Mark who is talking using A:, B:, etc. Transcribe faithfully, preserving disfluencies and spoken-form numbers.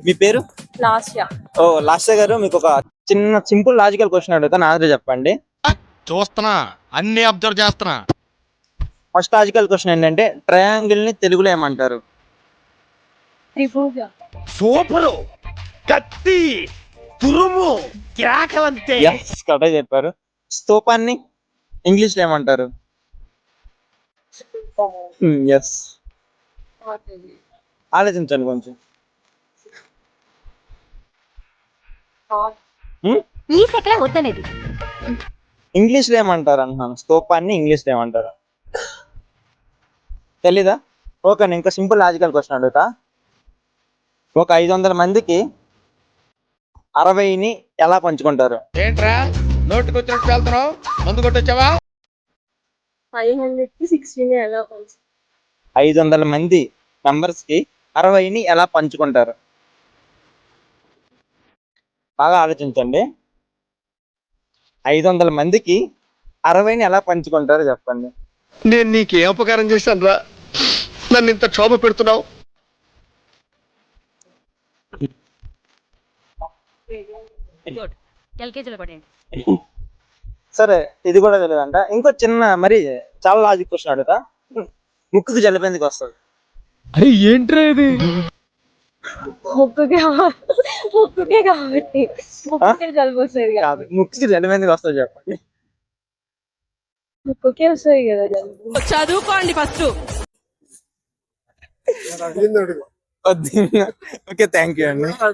A: మీ పేరు?
B: Last year.
A: ఓ last గారు, మీకు ఒక చిన్న సింపుల్ లాజికల్ క్వశ్చన్ అడుగుతాను, ఆన్సర్ చెప్పండి.
C: చూస్తున్నా, అన్ని అబ్జర్వ్ చేస్తున్నా.
A: ఫస్ట్ లాజికల్ క్వశ్చన్ ఏంటంటే, ట్రయాంగిల్ ని తెలుగులో ఏమంటారు?
B: త్రిభుజ.
C: సూపరు, కత్తి, తురుము, కేకలంతే.
A: ఎస్, కరెక్ట్ చెప్పారు. స్తూపాన్ని ఇంగ్లీష్ లో ఏమంటారు? ఎస్, ఆలోచించండి కొంచెం.
B: ఈ సెకండ్ వద్దనేది.
A: ఇంగ్లీష్ లో ఏమంటారు అంటున్నాను, స్తూపాన్ని ఇంగ్లీష్ లో ఏమంటారు? తెలీదా? ఓకే, నేను ఇంకా సింపుల్ లాజికల్ క్వశ్చన్ అడుగుతా. ఒక ఐదు వందల మందికి అరవైని ఎలా పంచుకుంటారు?
C: ఏంట్రా నోటికి వచ్చినట్టు వెళ్తున్నావు? మందు కొట్టొచ్చావా?
B: ఫైవ్ హండ్రెడ్ కి సిక్స్టీన్ ఎలా కొంచెం.
A: ఐదు వందల మంది మెంబర్స్ కి అరవైని ఎలా పంచుకుంటారు? బాగా ఆలోచించండి. ఐదు వందల మందికి అరవైని ఎలా పంచుకుంటారో చెప్పండి.
C: నేను నీకేం ఉపకారం చేశాను రా, నన్ను ఇంత క్షోభ పెడుతున్నావు?
A: సరే, ఇది కూడా తెలియదంట. ఇంకో చిన్న మరి చాలా లాజిక్ క్వశ్చన్ అడుగుతా. ముక్కుకి జలుబు ఎందుకు వస్తుంది?
D: అరే ఏంట్రా ఇది?
B: ముక్కుకే ముక్కుకే కాబట్టి ముక్కుకే జలుబు వస్తుంది కదా.
A: కాదు, ముక్కుకి జలుబు ఎందుకు వస్తుంది చెప్పండి.
B: ముక్కుకే వస్తుంది కదా జలుబు.
E: చదువుకోండి ఫస్ట్.
A: ఓకే, థ్యాంక్ యూ అండి.